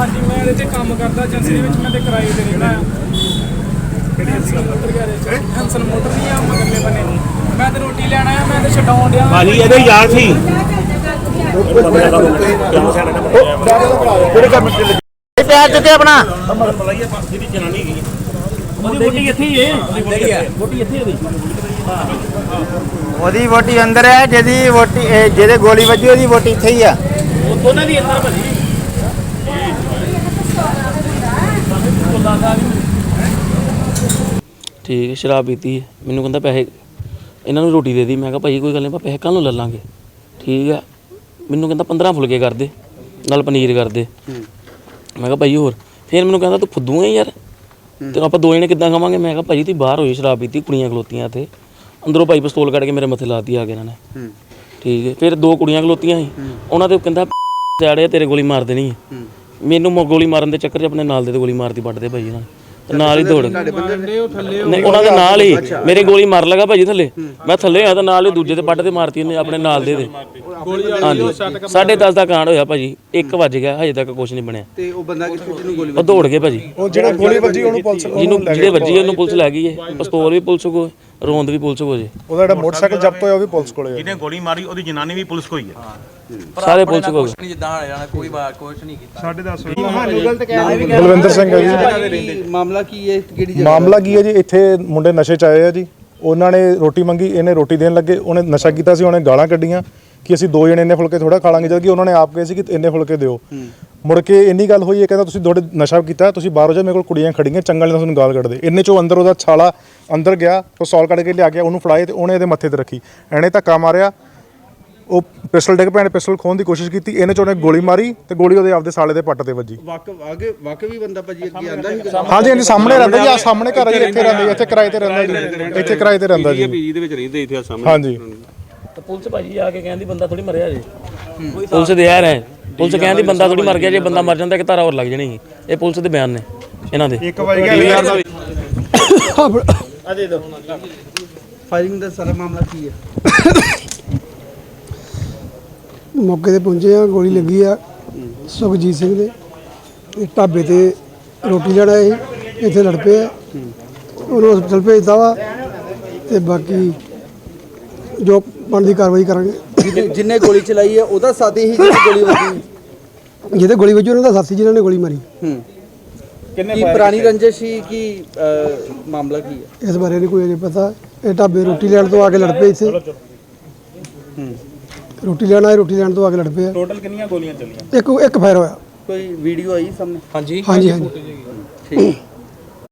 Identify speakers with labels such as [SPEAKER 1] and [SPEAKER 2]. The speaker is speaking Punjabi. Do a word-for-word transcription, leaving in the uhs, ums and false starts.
[SPEAKER 1] हाँ जी मैं ਇਹਦੇ 'ਚ ਕੰਮ ਕਰਦਾ ਏਜੰਸੀ ਦੇ ਵਿੱਚ ਮੈਂ ਤੇ ਕਿਰਾਏ ਤੇ ਰਹਿਣਾ ਆ ਕਿਹੜੀ Hansal motor garage Hansal motor ਨਹੀਂ ਆ ਮਗਰਲੇ ਬੰਨੇ ਮੈਂ ਤੇ ਰੋਟੀ ਲੈਣ ਆਇਆ ਮੈਂ ਤੇ ਛਡਾਉਣ ਡਿਆ
[SPEAKER 2] ਭਾਜੀ ਇਹਦੇ ਯਾਰ ਸੀ ਕਿਹੜੇ ਕੰਮ ਤੇ ਪਿਆਰ ਦਿੱਤੇ ਆਪਣਾ ਜਿਹੜੀ ਜਨਾਨੀ ਹੈਗੀ ਉਹਦੀ ਵੋਟੀ ਇੱਥੇ ਹੀ ਹੈ ਵੋਟੀ ਇੱਥੇ ਉਹਦੀ
[SPEAKER 3] ਉਹਦੀ ਵੋਟੀ ਅੰਦਰ ਹੈ ਜਿਹਦੀ ਵੋਟੀ ਜਿਹਦੇ ਗੋਲੀ ਵੱਜੀ ਉਹਦੀ ਵੋਟੀ ਇੱਥੇ ਹੀ ਆ
[SPEAKER 2] ਦੋਨਾਂ ਦੀ ਅੰਦਰ ਭਾਜੀ
[SPEAKER 4] ਠੀਕ ਹੈ ਸ਼ਰਾਬ ਪੀਤੀ ਹੈ ਮੈਨੂੰ ਕਹਿੰਦਾ ਪੈਸੇ ਇਹਨਾਂ ਨੂੰ ਰੋਟੀ ਦੇ ਦੀ ਮੈਂ ਕਿਹਾ ਭਾਈ ਕੋਈ ਗੱਲ ਨਹੀਂ ਆਪਾਂ ਪੈਸੇ ਕੱਲ੍ਹ ਨੂੰ ਲੈ ਲਾਂਗੇ ਠੀਕ ਆ ਮੈਨੂੰ ਕਹਿੰਦਾ ਪੰਦਰਾਂ ਫੁਲਕੇ ਕਰ ਦੇ ਨਾਲ ਪਨੀਰ ਕਰ ਦੇ ਮੈਂ ਕਿਹਾ ਭਾਈ ਹੋਰ ਫਿਰ ਮੈਨੂੰ ਕਹਿੰਦਾ ਤੂੰ ਫੁੱਦੂ ਹੈ ਯਾਰ ਤੇ ਆਪਾਂ ਦੋ ਜਣੇ ਕਿੱਦਾਂ ਖਾਵਾਂਗੇ ਮੈਂ ਕਿਹਾ ਭਾਈ ਤੁਸੀਂ ਬਾਹਰ ਹੋਈ ਸ਼ਰਾਬ ਪੀਤੀ ਕੁੜੀਆਂ ਖਲੋਤੀਆਂ ਇੱਥੇ ਅੰਦਰੋਂ ਭਾਈ ਪਿਸਤੌਲ ਕੱਢ ਕੇ ਮੇਰੇ ਮੱਥੇ ਲਾਤੀ ਆ ਕੇ ਇਹਨਾਂ ਨੇ ਠੀਕ ਹੈ ਫਿਰ ਦੋ ਕੁੜੀਆਂ ਖਲੋਤੀਆਂ ਸੀ ਉਹਨਾਂ ਦੇ ਕਹਿੰਦਾ ਸਿਆੜੇ ਤੇਰੇ ਗੋਲੀ ਮਾਰ ਦੇਣੀ ਹੈ ਮੈਨੂੰ ਗੋਲੀ ਮਾਰਨ ਦੇ ਚੱਕਰ 'ਚ ਆਪਣੇ ਨਾਲ ਦੇ ਤੇ ਗੋਲੀ ਮਾਰਤੀ ਵੱਢਦੇ ਭਾਈ ਇਹਨਾਂ ਨੇ ਨਾਲ ਹੀ ਦੌੜ ਨਹੀਂ ਉਹਨਾਂ ਦੇ ਨਾਲ ਹੀ ਮੇਰੇ ਗੋਲੀ ਮਾਰ ਲਗਾ ਭਾਜੀ ਥੱਲੇ ਮੈਂ ਥੱਲੇ ਆ ਤਾਂ ਨਾਲ ਹੀ ਦੂਜੇ ਤੇ ਪੱਟ ਤੇ ਮਾਰਤੀ ਉਹਨੇ ਆਪਣੇ ਨਾਲ ਦੇ ਦੇ ਹਾਂਜੀ ਸਾਢੇ ਦਸ ਦਾ ਕਾਂਡ ਹੋਇਆ ਭਾਜੀ ਇੱਕ ਵੱਜ ਗਿਆ ਹਜੇ ਤੱਕ ਕੁਝ ਨਹੀਂ ਬਣਿਆ
[SPEAKER 5] ਤੇ ਉਹ ਬੰਦਾ ਕਿੱਥੇ ਜਿਹਨੂੰ ਗੋਲੀ
[SPEAKER 4] ਉਹ ਦੌੜ ਗਏ ਭਾਜੀ
[SPEAKER 6] ਉਹ ਜਿਹੜਾ ਗੋਲੀ ਵੱਜੀ ਉਹਨੂੰ ਪੁਲਿਸ
[SPEAKER 4] ਜਿਹਨੂੰ ਜਿਹੜੇ ਵੱਜੀ ਉਹਨੂੰ ਪੁਲਿਸ ਲੈ ਗਈ ਹੈ ਪਿਸਤੌਲ ਵੀ ਪੁਲਿਸ ਕੋਲ ਰੋਂਦ ਵੀ ਪੁਲਿਸ ਕੋਲ ਜੇ
[SPEAKER 6] ਉਹਦਾ ਜਿਹੜਾ ਮੋਟਰਸਾਈਕਲ ਜ਼ਬਤ ਹੋਇਆ ਉਹ ਵੀ ਪੁਲਿਸ ਕੋਲੇ
[SPEAKER 2] ਜਿਹਨੇ ਗੋਲੀ ਮਾਰੀ ਉਹਦੀ ਜਨਾਨੀ ਵੀ ਪੁਲਿਸ ਕੋਲ ਹੀ ਹੈ
[SPEAKER 4] ਸਾਰੇ ਪੁਲਿਸ ਕੋਲ
[SPEAKER 1] ਜਿੱਦਾਂ ਜਾਣਾ ਕੋਈ ਬਾਤ ਕੁਝ ਨਹੀਂ ਕੀਤਾ
[SPEAKER 6] ਸਾਢੇ ਦਸ
[SPEAKER 5] ਤੁਹਾਨੂੰ ਗਲਤ ਕਹਿ ਰਹੇ
[SPEAKER 6] ਬਲਵਿੰਦਰ ਸਿੰਘ ਹੈ
[SPEAKER 5] ਜੀ ਮਾਮਲਾ ਕੀ ਹੈ ਕਿਹੜੀ ਜਗ੍ਹਾ
[SPEAKER 6] ਮਾਮਲਾ ਕੀ ਹੈ ਜੀ ਇੱਥੇ ਮੁੰਡੇ ਨਸ਼ੇ ਚ ਆਏ ਆ ਜੀ ਉਹਨਾਂ ਨੇ ਰੋਟੀ ਮੰਗੀ ਇਹਨੇ ਰੋਟੀ ਦੇਣ ਲੱਗੇ ਉਹਨੇ ਨਸ਼ਾ ਕੀਤਾ ਸੀ ਉਹਨੇ ਗਾਲਾਂ ਕੱਢੀਆਂ ਕਿ ਅਸੀਂ ਦੋ ਜਣੇ ਇੰਨੇ ਫੁਲਕੇ ਥੋੜਾ ਖਾ ਲਾਂਗੇ ਜਦ ਕਿ ਉਹਨਾਂ ਨੇ ਆਪ ਕਹੇ ਸੀ ਕਿ ਇੰਨੇ ਫੁਲਕੇ ਦਿਓ ਮੁੜ ਕੇ ਇੰਨੀ ਗੱਲ ਹੋਈ ਹੈ ਕਹਿੰਦਾ ਤੁਸੀਂ ਥੋੜੇ ਨਸ਼ਾ ਕੀਤਾ ਤੁਸੀਂ ਬਾਹਰੋਂ ਜਾ ਮੇਰੇ ਕੋਲ ਕੁੜੀਆਂ ਖੜੀਆਂ ਚੰਗਾ ਨਹੀਂ ਤੁਹਾਨੂੰ ਗਾਲ ਕੱਢਦੇ ਇੰਨੇ ਚੋਂ ਅੰਦਰ ਉਹਦਾ ਛਾਲਾ ਅੰਦਰ ਗਿਆ ਪਿਸਤੌਲ ਕੱਢ ਕੇ ਲਿਆ ਗਿਆ ਉਹਨੂੰ ਫੜਾਏ ਤੇ ਉਹਨੇ ਇਹਦੇ ਮੱਥੇ ਤੇ ਰੱਖੀ ਐਨੇ ਧੱਕਾ ਮਾਰਿਆ ਉਹ ਪਿਸਟਲ ਡਿੱਗ ਪਿਆ ਪਿਸਟਲ ਖੋਣ ਦੀ ਕੋਸ਼ਿਸ਼ ਕੀਤੀ ਇਹਨੇ ਚ ਉਹਨੇ ਗੋਲੀ ਮਾਰੀ ਤੇ ਗੋਲੀ ਉਹਦੇ ਆਪਦੇ ਸਾਲੇ ਦੇ ਪੱਟ ਤੇ ਵੱਜੀ
[SPEAKER 5] ਵਾਕਫ ਆਗੇ ਵਾਕਫ ਵੀ ਬੰਦਾ ਭਾਜੀ ਅੱਗੇ ਆਂਦਾ ਸੀ
[SPEAKER 6] ਹਾਂਜੀ ਹਾਂਜੀ ਸਾਹਮਣੇ ਰਹਿੰਦਾ ਜੀ ਆ ਸਾਹਮਣੇ ਘਰ ਜੀ ਇੱਥੇ ਰਹਿੰਦਾ ਇੱਥੇ ਕਿਰਾਏ ਤੇ ਰਹਿੰਦਾ ਜੀ ਇੱਥੇ ਕਿਰਾਏ ਤੇ ਰਹਿੰਦਾ ਜੀ
[SPEAKER 2] ਪੀਜੀ ਦੇ ਵਿੱਚ ਰਹਿੰਦੇ ਇੱਥੇ ਸਾਹਮਣੇ
[SPEAKER 6] ਹਾਂਜੀ
[SPEAKER 4] ਤੇ ਪੁਲਿਸ ਭਾਜੀ ਆ ਕੇ ਕਹਿੰਦੀ ਬੰਦਾ ਥੋੜੀ ਮਰਿਆ ਜੇ ਪੁਲਿਸ ਦੇ ਯਾਰ ਹੈ ਪੁਲਿਸ ਕਹਿੰਦੀ ਬੰਦਾ ਥੋੜੀ ਮਰ ਗਿਆ ਜੇ ਬੰਦਾ ਮਰ ਜਾਂਦਾ ਇੱਕ ਧਾਰਾ ਹੋਰ ਲੱਗ ਜਣੀ ਸੀ ਇਹ ਪੁਲਿਸ ਦੇ ਬਿਆਨ ਨੇ ਇਹਨਾਂ ਦੇ
[SPEAKER 6] ਇੱਕ ਵਜ ਗਿਆ
[SPEAKER 5] ਆ ਦੇ ਦੋ ਫਾਇਰਿੰਗ ਦਾ ਸਾਰਾ ਮਾਮਲਾ ਕੀ ਹੈ
[SPEAKER 7] ਮੌਕੇ ਤੇ ਪਹੁੰਚੇ ਆ ਗੋਲੀ ਲੱਗੀ ਆ ਸੁਖਜੀਤ ਸਿੰਘ ਦੇ ਇਹ ਢਾਬੇ ਤੇ ਰੋਟੀ ਲੈਣ ਆਏ ਸੀ ਇੱਥੇ ਲੜ ਪਏ ਆ ਉਹਨੂੰ ਹਸਪਤਾਲ ਭੇਜਤਾ ਵਾ ਤੇ ਬਾਕੀ ਜੋ ਬਣਦੀ ਕਾਰਵਾਈ ਕਰਾਂਗੇ
[SPEAKER 5] ਜਿੰਨੇ ਗੋਲੀ ਚਲਾਈ ਹੈ ਉਹਦਾ ਸਾਥੀ ਹੀ ਜਿਹਦੀ ਗੋਲੀ ਵੱਜੀ
[SPEAKER 7] ਜਿਹਦੇ ਗੋਲੀ ਵੱਜੀ ਉਹਨਾਂ ਦਾ ਸਾਥੀ ਜਿਨ੍ਹਾਂ ਨੇ ਗੋਲੀ ਮਾਰੀ
[SPEAKER 5] ਹੂੰ ਕੀ ਪੁਰਾਣੀ ਰੰਜਿਸ਼ ਸੀ ਕੀ ਮਾਮਲਾ ਕੀ ਹੈ
[SPEAKER 7] ਇਸ ਬਾਰੇ ਨਹੀਂ ਕੋਈ ਅਜੇ ਪਤਾ ਇਹ ਢਾਬੇ ਰੋਟੀ ਲੈਣ ਤੋਂ ਆ ਕੇ ਲੜ ਪਏ ਇੱਥੇ
[SPEAKER 5] ਹੂੰ
[SPEAKER 7] ਰੋਟੀ ਲੈਣ ਆਏ ਰੋਟੀ ਲੈਣ ਤੋਂ ਆ ਕੇ ਲੜ ਪਏ ਆ
[SPEAKER 2] ਟੋਟਲ ਕਿੰਨੀਆਂ ਗੋਲੀਆਂ ਚੱਲੀਆਂ
[SPEAKER 7] ਇੱਕ ਇੱਕ ਫਾਇਰ ਹੋਇਆ
[SPEAKER 5] ਕੋਈ ਵੀਡੀਓ ਆਈ ਸਾਹਮਣੇ
[SPEAKER 1] ਹਾਂਜੀ
[SPEAKER 7] ਹਾਂਜੀ ਹਾਂਜੀ
[SPEAKER 5] ਠੀਕ